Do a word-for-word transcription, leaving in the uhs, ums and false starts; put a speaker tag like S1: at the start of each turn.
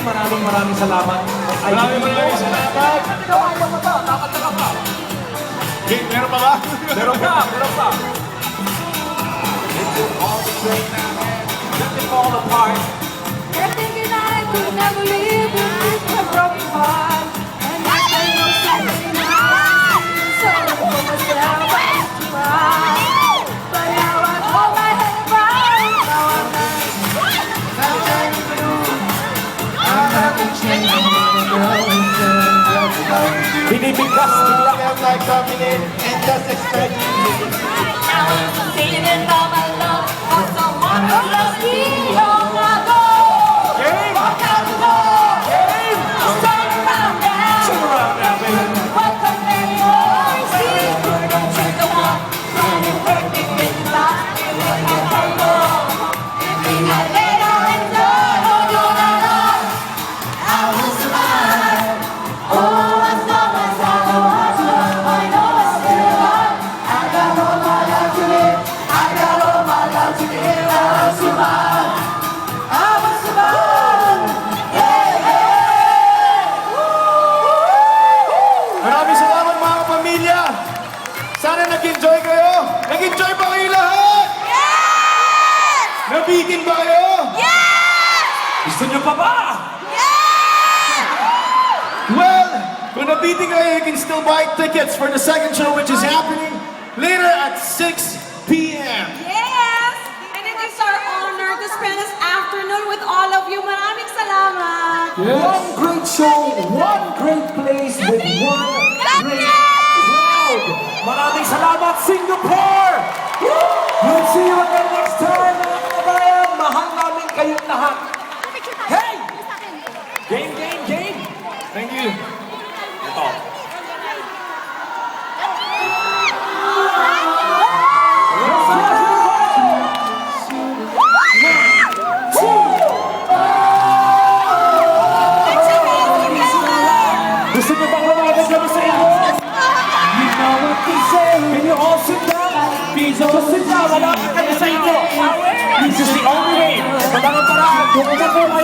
S1: maraming maraming salamat.
S2: Maraming maraming salamat.
S1: Ayaw mo ba? Nakataka pa.
S2: Okay, meron pa ba?
S1: Meron pa, meron pa. Let it fall apart.
S3: You're thinking I could never live with a broken heart. And I say no Saturday night. So I pull myself back to cry. But now I hold my head right. Now I'm not. I'm turning blue. I'm not changing.
S1: Binibigkas bigla.
S2: Like coming in and just expect
S3: Now I'm feeling all my love for someone who loves me long ago.
S1: Game!
S3: Walk out the door.
S1: Game!
S3: Turn around now.
S1: Turn around now, baby.
S3: Welcome anymore. See, we're gonna check the one. Running perfect with the light. We're gonna find more. I lay down and die. Oh, no, no, no. I will survive. Oh, as long as I know how to love, I know I still alive. I got all my life to live. I got all my life to give. I will survive. I will survive. Hey, hey.
S2: Maraming salamat mga kapamilya! Sana nag-enjoy kayo! Nag-enjoy ba kayo lahat?
S3: Yes!
S2: Nabitin ba kayo?
S3: Yes!
S1: Gusto niyo pa ba?
S2: Well, kung nabitin kayo, you can still buy tickets for the second show which is happening later at six p m
S4: Yes! And it is our honor to spend this afternoon with all of you. Maraming salamat!
S1: One great show, one great place with one great crowd. Maraming salamat, Singapore! We'll see you again next time, mga kabayan. Mahal namin kayong lahat. Hey! Game, game, game!
S2: Thank you.
S1: Ito. Gusto niyo bang lumaban kami sa inyo? You know what they say. Can you all sit down? Please all sit down. Malapit kami sa inyo. This is the only way. Magandang paraan. Kung